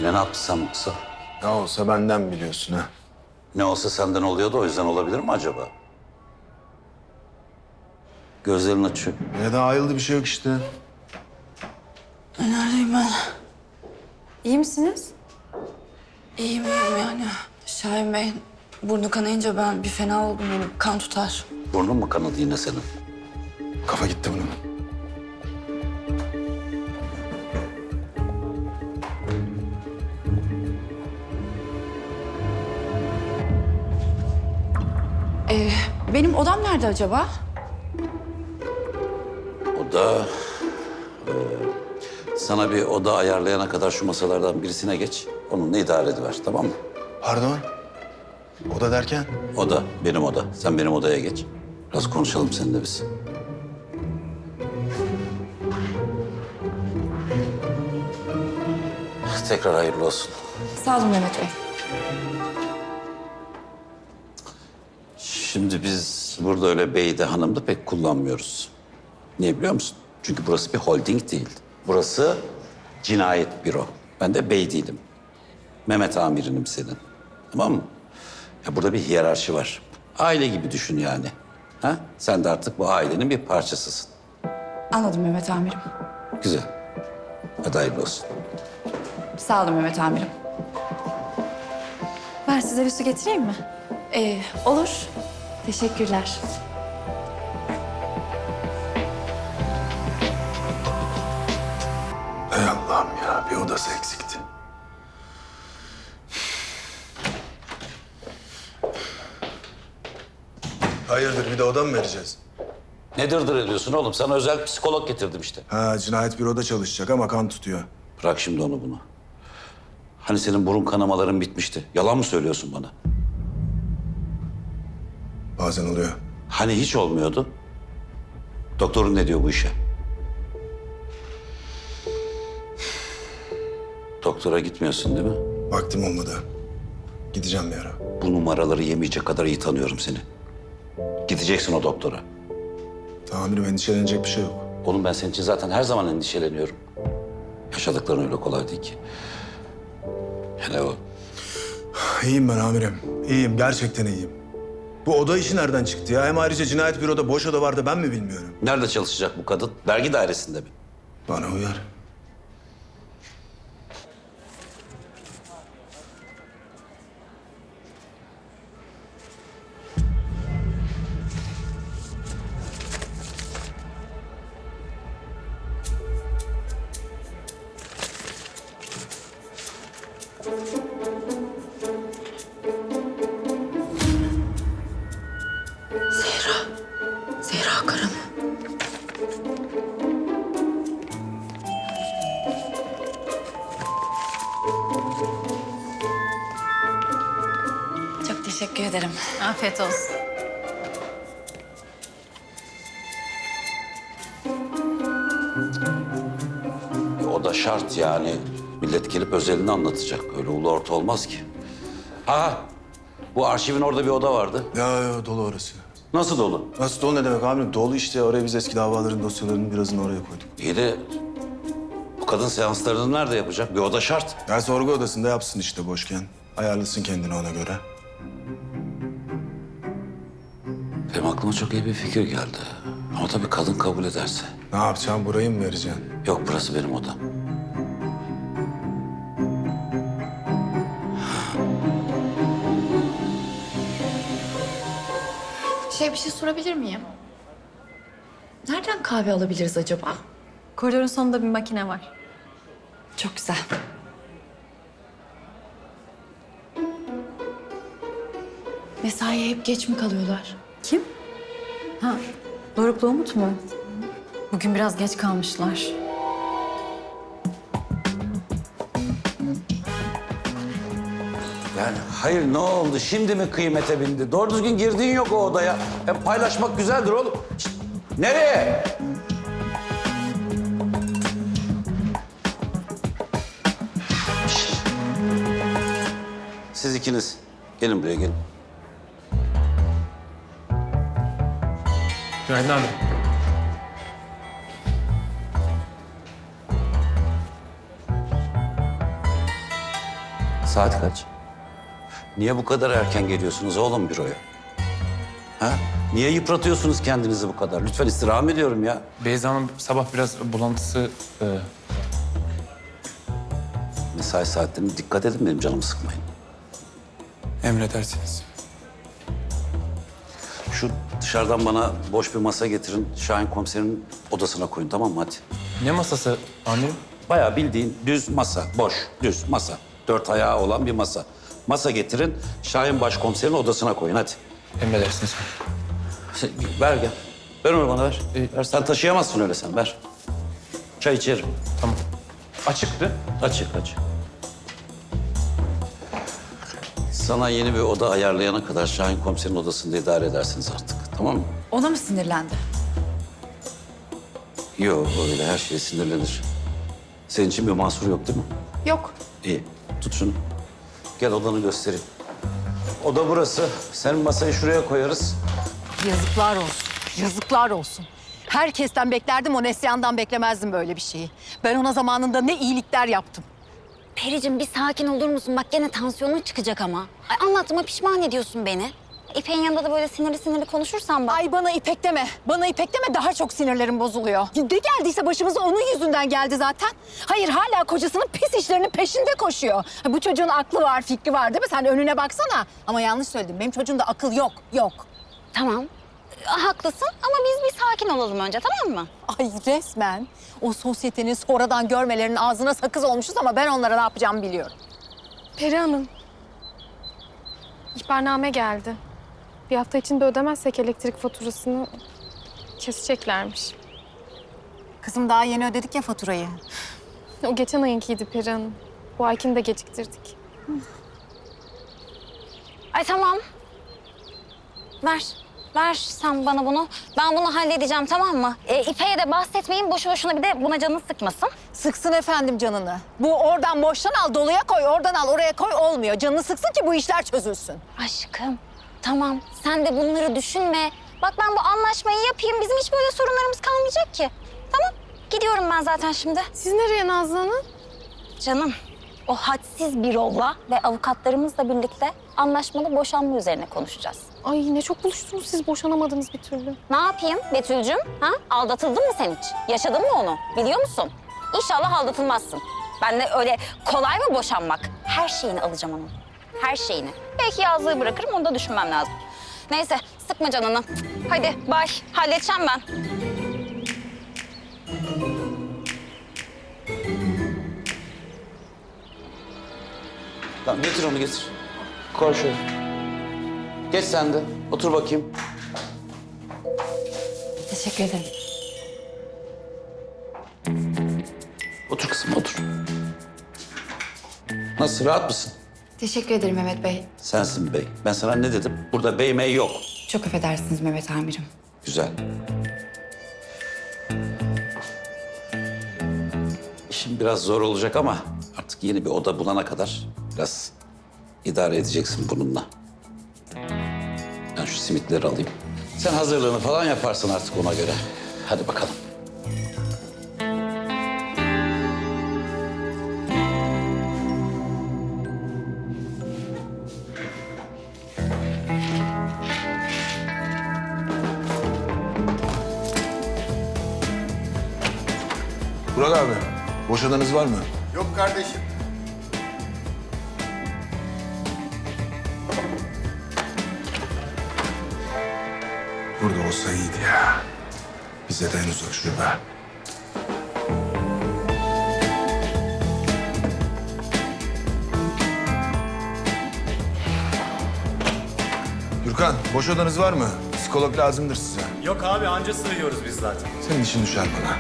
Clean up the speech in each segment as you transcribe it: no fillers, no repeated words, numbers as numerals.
Yine ne yaptın yoksa? Ne olsa benden biliyorsun ha. Ne olsa senden oluyordu, o yüzden olabilir mi acaba? Gözlerini açıyor. Ya da ayıldı bir şey yok işte. Neredeyim ben? İyi misiniz? İyiyim yani. Şahin Bey, burnu kanayınca ben bir fena oldum. Benim kan tutar. Burnun mu kanadı yine senin? Kafa gitti bunun. Benim odam nerede acaba? O da... sana bir oda ayarlayana kadar şu masalardan birisine geç. Onunla idare ediver, tamam mı? Pardon. Oda derken? Oda, benim oda. Sen benim odaya geç. Biraz konuşalım seninle biz. Tekrar hayırlı olsun. Sağ olun Mehmet Bey. Şimdi biz burada öyle beyde hanımda pek kullanmıyoruz. Niye biliyor musun? Çünkü burası bir holding değil. Burası cinayet büro. Ben de bey değilim. Mehmet amirinim senin. Tamam mı? Ya burada bir hiyerarşi var. Aile gibi düşün yani. Ha? Sen de artık bu ailenin bir parçasısın. Anladım Mehmet amirim. Güzel. Hadi hayırlı olsun. Sağ olun Mehmet amirim. Ben size bir su getireyim mi? Olur. Teşekkürler. Ey Allah'ım ya, bir odası eksikti. Hayırdır, bir de oda mı vereceğiz? Ne dırdır ediyorsun oğlum? Sana özel psikolog getirdim işte. Ha, cinayet büroda çalışacak ama kan tutuyor. Bırak şimdi onu bunu. Hani senin burun kanamaların bitmişti. Yalan mı söylüyorsun bana? Bazen oluyor. Hani hiç olmuyordu? Doktorun ne diyor bu işe? Doktora gitmiyorsun değil mi? Vaktim olmadı. Gideceğim bir ara. Bu numaraları yemeyecek kadar iyi tanıyorum seni. Gideceksin o doktora. Tamirim, endişelenecek bir şey yok. Oğlum ben senin için zaten her zaman endişeleniyorum. Yaşadıkların öyle kolay değil ki. Yani o İyiyim ben amirim. İyiyim, gerçekten iyiyim. Bu oda işi nereden çıktı ya? Hem ayrıca cinayet büroda boş oda vardı, ben mi bilmiyorum? nerede çalışacak bu kadın? Vergi dairesinde mi? Bana uyar. Zehra Kara mı? Çok teşekkür ederim. Afiyet olsun. O da şart yani. Millet gelip özelini anlatacak. Öyle ulu orta olmaz ki. Ha, bu arşivin orada bir oda vardı. Ya dolu orası. Nasıl dolu? Nasıl dolu ne demek amirim? Dolu işte. Oraya biz eski davaların dosyalarının birazını oraya koyduk. İyi de bu kadın seanslarını nerede yapacak? Bir oda şart. Ya sorgu odasında yapsın işte boşken. Ayarlasın kendini ona göre. Benim aklıma çok iyi bir fikir geldi. Ama tabii kadın kabul ederse. Ne yapacağım? Burayı mı vereceksin? Yok, burası benim odam. Bir şey sorabilir miyim? Nereden kahve alabiliriz acaba? Koridorun sonunda bir makine var. Çok güzel. Mesaiye hep geç mi kalıyorlar? Kim? Ha, Doruk'la Umut mu? Bugün biraz geç kalmışlar. Yani hayır, ne oldu? Şimdi mi kıymete bindi? Doğru düzgün girdiğin yok o odaya. Paylaşmak güzeldir oğlum. Şişt, nereye? Şişt. Siz ikiniz gelin buraya, gelin. Günaydın abi. Saat kaç? Niye bu kadar erken geliyorsunuz oğlum büroya? Ha? Niye yıpratıyorsunuz kendinizi bu kadar? Lütfen istirham ediyorum ya. Beyza Hanım sabah biraz bulantısı... Mesai saatlerine dikkat edin, benim canımı sıkmayın. emredersiniz. Şu dışarıdan bana boş bir masa getirin. Şahin komiserin odasına koyun, tamam mı? Hadi. Ne masası amirim? Bayağı bildiğin düz masa, boş, düz masa. 4 ayağı olan bir masa. Masa getirin, Şahin başkomiserin odasına koyun, hadi. Emredersiniz. Ver gel. Ver onu bana ver. Ver. Sen taşıyamazsın öyle sen, ver. Çay içerim. Tamam. Açıktı. Açık, açık. Sana yeni bir oda ayarlayana kadar Şahin komiserin odasında idare edersiniz artık. Tamam mı? Ona mı sinirlendi? Yok, öyle her şeye sinirlenir. Senin için bir mahsur yok değil mi? Yok. İyi. Tut şunu. Gel odanı göstereyim. Oda burası. Senin masayı şuraya koyarız. Yazıklar olsun. Yazıklar olsun. Herkesten beklerdim, o Neslihan'dan beklemezdim böyle bir şeyi. Ben ona zamanında ne iyilikler yaptım. Pericim bir sakin olur musun? Bak gene tansiyonun çıkacak ama. Ay, anlattığıma pişman ediyorsun beni. İpek'in yanında da böyle sinirli sinirli konuşursan bak. Ay bana İpek deme. Bana İpek deme, daha çok sinirlerim bozuluyor. Ne geldiyse başımıza onun yüzünden geldi zaten. Hayır, hala kocasının pis işlerinin peşinde koşuyor. Bu çocuğun aklı var, fikri var değil mi? Sen önüne baksana. Ama yanlış söyledim. Benim çocuğumda akıl yok, yok. Tamam. Haklısın ama biz bir sakin olalım önce, tamam mı? Ay resmen o sosyetenin sonradan görmelerinin ağzına sakız olmuşuz ama ben onlara ne yapacağımı biliyorum. Peri Hanım. İhbarname geldi. Bir hafta içinde ödemezsek elektrik faturasını keseceklermiş. Kızım daha yeni ödedik ya faturayı. O geçen ayınkiydi Peri Hanım. Bu aykini de geciktirdik. Ay tamam. Ver. Ver sen bana bunu. Ben bunu halledeceğim, tamam mı? İpek'e de bahsetmeyin. Boşu boşuna bir de buna canını sıkmasın. Sıksın efendim canını. Bu oradan boştan al, doluya koy, oradan al, oraya koy olmuyor. Canını sıksın ki bu işler çözülsün. Aşkım, tamam. Sen de bunları düşünme. Bak ben bu anlaşmayı yapayım. Bizim hiç böyle sorunlarımız kalmayacak ki. Tamam. Gidiyorum ben zaten şimdi. Siz nereye Nazlı Hanım? Canım, o hadsiz bir rolla ve avukatlarımızla birlikte anlaşmalı boşanma üzerine konuşacağız. Ay ne çok buluştunuz siz, boşanamadınız bir türlü. Ne yapayım Betül'cüm? Ha? Aldatıldın mı sen hiç? Yaşadın mı onu? Biliyor musun? İnşallah aldatılmazsın. Ben de öyle kolay mı boşanmak? Her şeyini alacağım onun. Her şeyini. Belki yazlığı bırakırım, onu da düşünmem lazım. Neyse, sıkma canını. Hadi bay, halledeceğim ben. Tamam, getir onu getir. Koy şöyle. Geç sen de. Otur bakayım. Teşekkür ederim. Otur kızım, otur. Nasıl, rahat mısın? Teşekkür ederim Mehmet Bey. Sensin bey. Ben sana ne dedim? Burada bey mey yok. Çok affedersiniz Mehmet amirim. Güzel. İşim biraz zor olacak ama artık yeni bir oda bulana kadar biraz idare edeceksin bununla. Ben şu simitleri alayım. Sen hazırlığını falan yaparsın artık ona göre. Hadi bakalım. Burak abi, boş odanız var mı? Yok kardeşim. Burada olsa iyiydi ya. Bize de henüz o şube. Gürkan, boş odanız var mı? Psikolog lazımdır size. Yok abi anca sığıyoruz biz zaten. Senin işin düşer bana.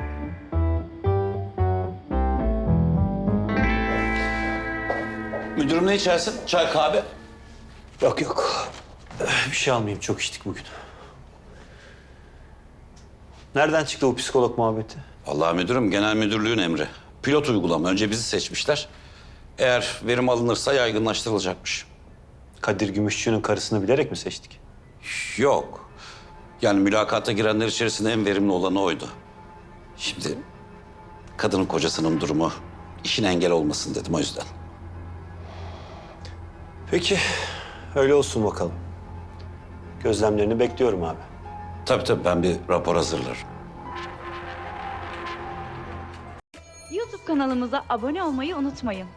Müdürüm ne içersin? Çay, kahve? Yok yok. Bir şey almayayım. Çok içtik bugün. Nereden çıktı bu psikolog muhabbeti? Vallahi müdürüm, genel müdürlüğün emri. Pilot uygulama. Önce bizi seçmişler. Eğer verim alınırsa yaygınlaştırılacakmış. Kadir Gümüşçü'nün karısını bilerek mi seçtik? Yok. Yani mülakata girenler içerisinde en verimli olanı oydu. Şimdi kadının kocasının durumu işine engel olmasın dedim o yüzden. Peki, öyle olsun bakalım. Gözlemlerini bekliyorum abi. Tabii ben bir rapor hazırlarım. YouTube kanalımıza abone olmayı unutmayın.